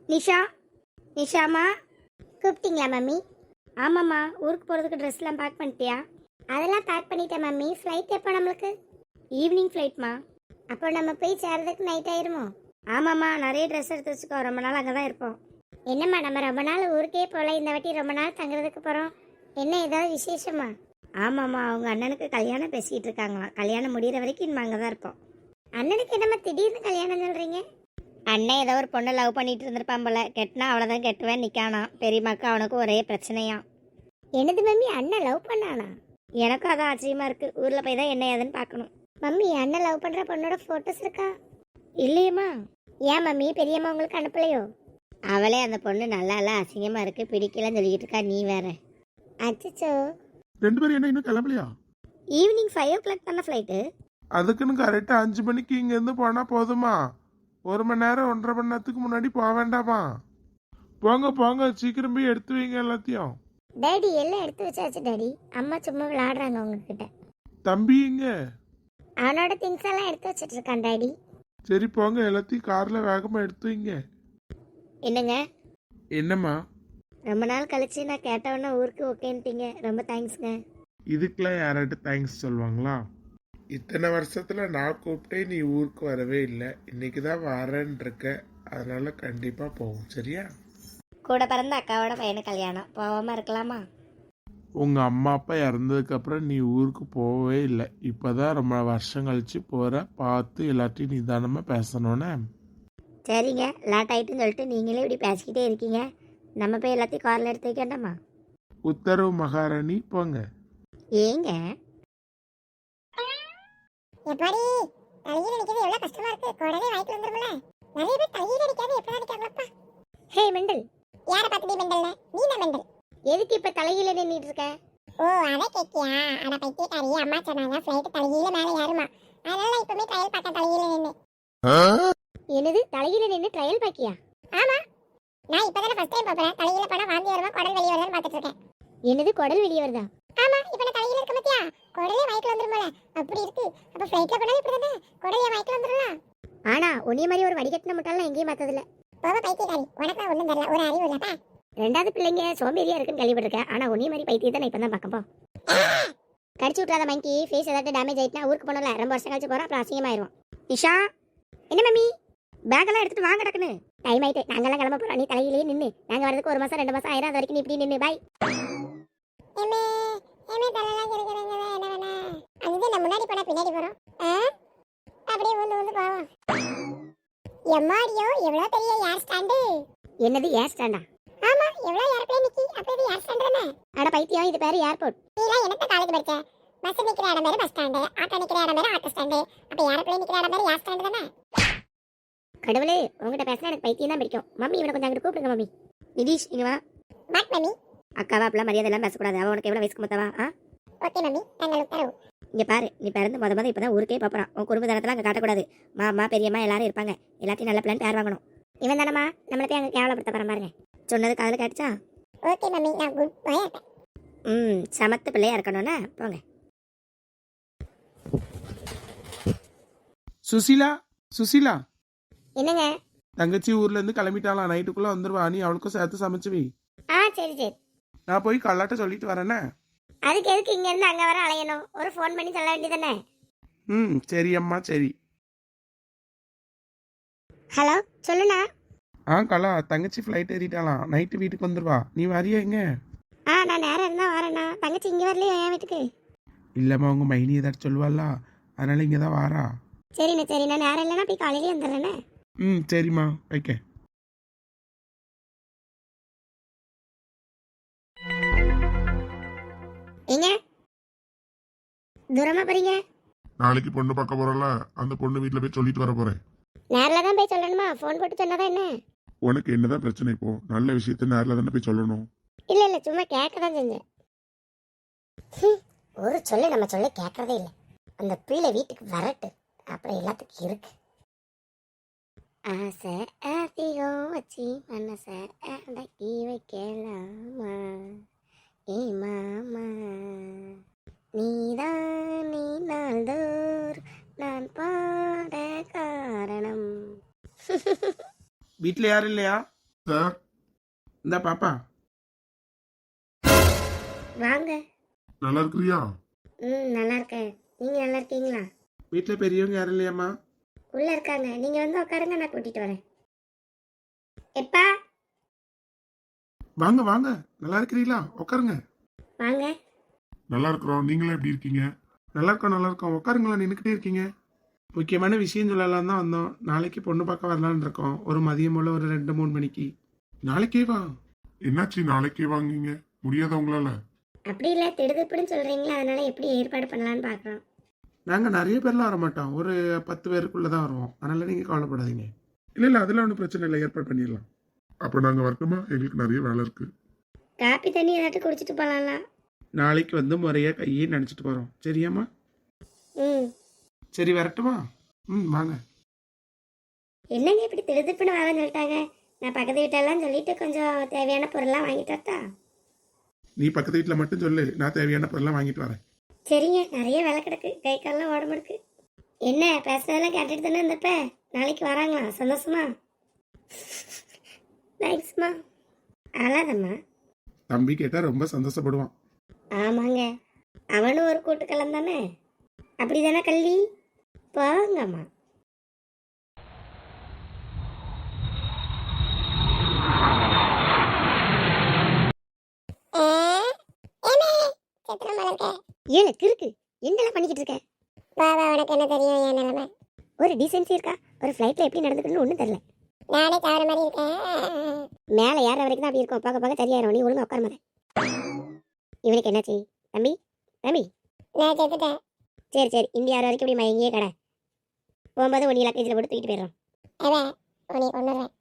நிஷா, நிஷாமா. கூப்பிட்டீங்களா மம்மி? ஆமாம்மா, ஊருக்கு போகிறதுக்கு ட்ரெஸ்லாம் பேக் பண்ணிட்டியா? அதெல்லாம் பேக் பண்ணிட்டேன் மம்மி. ஃப்ளைட் எப்போ நம்மளுக்கு? ஈவினிங் ஃப்ளைட்மா. அப்போ நம்ம போய் சேர்றதுக்கு நைட் ஆயிருமோ? ஆமாம்மா, நிறைய ட்ரெஸ் எடுத்து வச்சுக்கோ, ரொம்ப நாள் அங்கே தான் இருப்போம். என்னம்மா நம்ம ரொம்ப நாள் ஊருக்கே போகல, இந்த வாட்டி ரொம்ப நாள் தங்குறதுக்கு போகிறோம். என்ன ஏதாவது விசேஷமா? ஆமாம்மா, அவங்க அண்ணனுக்கு கல்யாணம் பேசிக்கிட்டு இருக்காங்களாம். கல்யாணம் முடிகிற வரைக்கும் நம்ம அங்கே தான் இருப்போம். அண்ணனுக்கு என்னம்மா திடீர்னு கல்யாணம் சொல்கிறீங்க? அண்ணன் ஏதோ ஒரு பொண்ணை லவ் பண்ணிட்டு இருந்திருப்பான் போல. கெட்டினா அவ்வளோதான் கெட்டுவேன் நிற்கானா. பெரியம்மாக்கு அவனுக்கு ஒரே பிரச்சனையா. என்னது மம்மி, அண்ணன் லவ் பண்ணானா? எனக்கும் அதான் ஆச்சரியமா இருக்குது. ஊரில் போய் தான் என்ன ஏதுன்னு பார்க்கணும். மம்மி, அண்ணன் லவ் பண்ணுற பொண்ணோட ஃபோட்டோஸ் இருக்கா? இல்லையம்மா. ஏன் மம்மி, பெரியம்மா உங்களுக்கு அனுப்பலையோ? அவளே அந்த பொண்ணு நல்லா இல்லை, அசிங்கமாக இருக்குது, பிடிக்கலன்னு சொல்லிக்கிட்டு இருக்கா. நீ வேற. அச்சச்சோ. ரெண்டு பேரும் என்ன இன்னும் கிளம்பலையா? ஈவினிங் 5 o'clock தானே ஃப்ளைட்டு. அதுக்குன்னு கரெக்டாக 5 மணிக்கு இங்கேருந்து போனால் போதுமா? 1 மணி நேரம் 1.5 மணி நேரத்துக்கு முன்னாடி போக வேண்டாமா? போங்க போங்க, சீக்கிரம் போய் எடுத்து வைங்க எல்லாத்தையும். டேடி எல்லாம் எடுத்து வச்சாச்சு டாடி. அம்மா சும்மா விளையாடுறாங்க உங்ககிட்ட. தம்பி இங்க. அவனோட திங்ஸ் எல்லாம் எடுத்து வச்சிட்டு இருக்கான் டாடி. சரி போங்க, எல்லாத்தையும் காரில் வேகமாக எடுத்து வைங்க. என்னங்க, என்னம்மா? ரொம்ப நாள் கழிச்சு நான் கேட்டவொன்னே ஊருக்கு ஓகேன்ட்டீங்க. ரொம்ப தேங்க்ஸ்ங்க. இதுக்கெல்லாம் யாராட்டு தேங்க்ஸ் சொல்லுவாங்களா? இத்தனை வருஷத்துல நான் கூப்பிட்டே நீ ஊருக்கு வரவே இல்லை. இன்னைக்கு தான் வரேன்னு இருக்க. அதனால கண்டிப்பா போவோம், சரியா? கூட பிறந்த அக்காவோட பையனு கல்யாணம், போகாமல் இருக்கலாமா? உங்க அம்மா அப்பா இறந்ததுக்கு அப்புறம் நீ ஊருக்கு போகவே இல்லை. இப்பதான் ரொம்ப வருஷம் கழிச்சு போற. பார்த்து எல்லாத்தையும் நிதானமா பேசணும்னே. சரிங்க, லேட் ஆகிட்டுன்னு சொல்லிட்டு நீங்களே இப்படி பேசிக்கிட்டே இருக்கீங்க. நம்ம போய் எல்லாத்தையும் காரில் எடுத்து வைக்கண்டாமா? உத்தரவு மகாராணி, போங்க. ஏங்க எப்பாடி தலையில நிக்கிறது எவ்வளவு கஷ்டமா இருக்கு. குடலே வாய்க்கு வந்துரும்ல. நிறைய பேர் தலையில நிக்காது, எப்படா நிக்காங்களப்பா. ஹே மெண்டல். யார பாத்துடி மெண்டல்ல? நீ தான் மெண்டல். எதுக்கு இப்போ தலையில நின்றுட்டு இருக்க? ஓ, அத கேக்கியா? அட பைத்தியக்காரி, அம்மா சொன்னாங்க ஃளைட் தலையில மேல ஏறுமா. அதனால இப்பவே ட்ரையல் பார்க்க தலையில நின்னு. என்னது, தலையில நின்று ட்ரையல் பாக்கியா? ஆமா, நான் இப்பதானே ஃபர்ஸ்ட் டைம் பாக்குறேன். தலையில போனா வாந்தி வருமா குடல் வெளிய வருதான்னு பாத்துட்டு இருக்கேன். என்னது, குடல் வெளியே வருதா? ஆமா, இப்ப நான் தலையில இருக்க மத்தியா குடலே வாய்க்கு வந்துருமல. அப்படி இருக்கு. அப்ப ஃளைட்ல போனா இப்படி தானே குடலே வாய்க்கு வந்துரும்ல. ஆனா உன்னிய மாதிரி ஒரு வடிகட்டின முட்டாள் நான் எங்கேயும் பார்த்ததில்ல. போக பைத்தியக்காரி, உனக்கு நான் ஒண்ணும் தெரியல, ஒரு அறிவு இல்லப்பா. ரெண்டாவது பிள்ளைங்க சோம்பேறியா இருக்குன்னு கேள்விப்பட்டிருக்கேன். ஆனா உன்னிய மாதிரி பைத்தியத்தை நான் இப்போ தான் பார்க்கப்போ. கடிச்சு விட்றாத மங்கி. ஃபேஸ் ஏதாவது டேமேஜ் ஆயிட்டுனா ஊருக்கு போனல ரொம்ப வருஷம் கழிச்சு போகிறோம், அப்புறம் அசிங்கமாயிருவோம். நிஷா, என்ன மம்மி, பேக்கெல்லாம் எடுத்துட்டு வாங்க டக்குன்னு. டைம் ஆயிட்டு, நாங்கெல்லாம் கிளம்ப போகிறோம். நீ தலையிலேயே நின்று. நாங்கள் வரதுக்கு 1 மாதம் 2 மாதம் ஆயிரம். அது வரைக்கும் நீ இப்படி நின்று. பாய். ஏமே ஏமே தலலாம் கிறுக்குறங்க. என்ன வேணா அதுதான் நம்ம முன்னாடி போனா பின்னாடி போறோம். அப்படியே வந்து போவோம். எம்மாடியோ, எவ்வளவு பெரிய ஏர் ஸ்டாண்டு. என்னது ஏர் ஸ்டாண்டா? ஆமா, எவ்வளவு ஏர்ப்ளேன் நிக்கி. அப்ப இது ஏர் ஸ்டாண்ட் தானே? அட பைத்தியம், இது பேர் ஏர்போர்ட். நீலாம் என்னத்த காலேஜ் படிச்ச? பஸ் நிக்கிற இடம் பேரு பஸ் ஸ்டாண்டு, ஆட்டோ நிக்கிற இடம் பேரு ஆட்டோ ஸ்டாண்டு. அப்ப ஏர்ப்ளேன் நிக்கிற இடம் பேரு ஏர் ஸ்டாண்ட் தானே? கடவுளே, உங்ககிட்ட பேசினா எனக்கு பைத்தியம் தான் பிடிக்கும். மம்மி, இவனை கொஞ்சம் அங்கிட்டு கூப்பிடுங்க. மம்மி, நிதிஷ் இங்க வா. What mummy? அக்காவா அப்படிலாம் மரியாதை எல்லாம் பேசக்கூடாது. அவன் உனக்கு எவ்வளோ வயசுக்கு மொத்தவா? ஓகே மம்மி, நாங்கள் உத்தரவு. இங்கே பாரு, நீ பிறந்து முத இப்போ தான் ஊருக்கே பார்ப்பறான். உன் குடும்ப தனத்தில் அங்கே காட்டக்கூடாது. மாமா பெரியம்மா எல்லாரும் இருப்பாங்க. எல்லாத்தையும் நல்ல பிளான் பேர் வாங்கணும். இவன் தானம்மா நம்மளை போய் அங்கே கேவலப்படுத்த போகிறான் பாருங்க. சொன்னது காதில் கேட்டுச்சா? ஓகே மம்மி, நான் குட் பாயா இருப்பேன். சமத்து பிள்ளையா இருக்கணும்னா போங்க. சுசீலா, சுசீலா, என்னங்க? தங்கச்சி ஊர்ல இருந்து கிளம்பிட்டாலாம். நைட்டுக்குள்ள வந்துருவா. நீ அவளுக்கும் சேர்த்து சமைச்சு வை. சரி சரி. நான் போய் கல்லாட்ட சொல்லிட்டு வரேனே. அதுக்கு எதுக்கு இங்க இருந்து அங்க வர அலையணும்? ஒரு ஃபோன் பண்ணி சொல்ல வேண்டியதானே? சரி அம்மா, சரி. ஹலோ, சொல்லுண்ணா. கலா, தங்கச்சி ஃப்ளைட் ஏறிட்டாலாம். நைட்டு வீட்டுக்கு வந்துருவா. நீ வரியா எங்க? நான் நேரம் இருந்தா வரேண்ணா. தங்கச்சி இங்க வரலையா என் வீட்டுக்கு? இல்லம்மா, உங்க மைனி ஏதாச்சும் சொல்லுவாள்ல, அதனால இங்கே தான் வாரா. சரிண்ணா சரிண்ணா, நேரம் இல்லைன்னா போய் காலையிலேயே வந்துடுறேண்ணே. சரிம்மா, வைக்க. எங்க தூரமா போறீங்க? நாளைக்கு பொண்ணு பார்க்க போறல, அந்த பொண்ணு வீட்டுல போய் சொல்லிட்டு வர போறேன். நேரில் தான் போய் சொல்லணுமா? ஃபோன் போட்டு சொன்னாதான் என்ன? உனக்கு என்னதான் பிரச்சனை இப்போ? நல்ல விஷயத்த நேரில் தானே போய் சொல்லணும். இல்ல இல்ல, சும்மா கேட்க தான் செஞ்சேன். ஒரு சொல்லு நம்ம சொல்ல கேட்கறதே இல்லை. அந்த பிள்ளை வீட்டுக்கு வரட்டு, அப்புறம் எல்லாத்துக்கும் இருக்கு. ஆசை அதிகம் வச்சு மனசை அடக்கி வைக்கலாமா? ஏ மாமா, நீதான் நீ நாள்தோறும் நான் பாட காரணம். வீட்டில் யாரும் இல்லையா? சார் இந்த பாப்பா வாங்க. நல்லா இருக்கிறியா? நல்லா இருக்கேன். நீங்க நல்லா இருக்கீங்களா? வீட்டில் பெரியவங்க யாரும் இல்லையாம்மா? உள்ள இருக்காங்க. நீங்க வந்து உட்காருங்க, நான் கூட்டிட்டு வரேன். எப்பா வாங்க வாங்க, நல்லா இருக்கிறீங்களா? உட்காருங்க. வாங்க. நல்லா இருக்கிறோம். நீங்களே எப்படி இருக்கீங்க? நல்லா இருக்கோம் நல்லா இருக்கோம். உட்காருங்களா, நின்றுக்கிட்டே இருக்கீங்க. முக்கியமான விஷயம் சொல்லலாம் தான் வந்தோம். நாளைக்கு பொண்ணு பார்க்க வரலான்னு இருக்கோம். ஒரு மதியம் போல் ஒரு 2-3 மணிக்கு. நாளைக்கே வா. என்னாச்சு நாளைக்கே வாங்குங்க? முடியாத உங்களால? அப்படி இல்லை, திடுதிப்புன்னு சொல்றீங்களா, அதனால எப்படி ஏற்பாடு பண்ணலான்னு பார்க்குறோம். நாங்கள் நிறைய பேர்லாம் வர மாட்டோம். ஒரு 10 பேருக்குள்ளே தான் வருவோம். அதனால நீங்கள் கவலைப்படாதீங்க. இல்லை இல்லை, அதெல்லாம் ஒன்றும் பிரச்சனை இல்லை, ஏற்பாடு பண்ணிடலாம். அப்ப நாங்க வரட்டுமா? எங்களுக்கு நிறைய வேலை இருக்கு. காப்பி தண்ணி ஏதாட்டும் குடிச்சிட்டு போகலாம்ல? நாளைக்கு வந்து முறையாக கையே நினச்சிட்டு போகிறோம். சரியாம்மா? ம். சரி வரட்டுமா? வாங்க. என்னங்க இப்படி திடுதிப்புன்னு வரேன்னு சொல்லிட்டாங்க? நான் பக்கத்து வீட்டெல்லாம் சொல்லிட்டு கொஞ்சம் தேவையான பொருள்லாம் வாங்கிட்டு வரட்டா? நீ பக்கத்து வீட்டில் மட்டும் சொல்லு, நான் தேவையான பொருள்லாம் வாங்கிட்டு வரேன். சரிங்க, நிறைய வேலை கிடக்கு, கை காலெல்லாம் உடம்பு இருக்கு. என்ன பேசுறதெல்லாம் கேட்டுட்டு தானே இருந்தப்ப? நாளைக்கு வராங்களா? சந்தோஷமா? தேங்க்ஸ்மா. அழாதம்மா. தம்பி கேட்டால் ரொம்ப சந்தோஷப்படுவான். ஆமாங்க, அவனும் ஒரு கூட்டுக்கலம் தானே. அப்படி தானே கல்வி? போங்கம்மா. ஏமே சித்திரம் மலர்க்க ஏழு கிறுக்கு, என்னெல்லாம் பண்ணிக்கிட்டு இருக்க? பாபா உனக்கு என்ன தெரியும் என் நிலைமை? ஒரு டீசென்சி இருக்கா? ஒரு ஃப்ளைட்டில் எப்படி நடந்துக்கணும்னு ஒன்றும் தெரியல. நானே தவறு மாதிரி இருக்கேன். மேலே ஏற வரைக்கும் தான் அப்படி இருக்கும், பார்க்க பார்க்க சரியாயிரும். நீ ஒழுங்கா உட்கார மாதிரி. இவனுக்கு என்னாச்சு? தம்பி தம்பி. நான் செத்துட்டேன். சரி சரி, இந்தியா வர வரைக்கும் இப்படி மயங்கியே கடை. போகும்போது ஒன்று லக்கேஜில் போட்டு தூக்கிட்டு போயிடுறோம். அவன் உன்னை கொண்டுறேன்.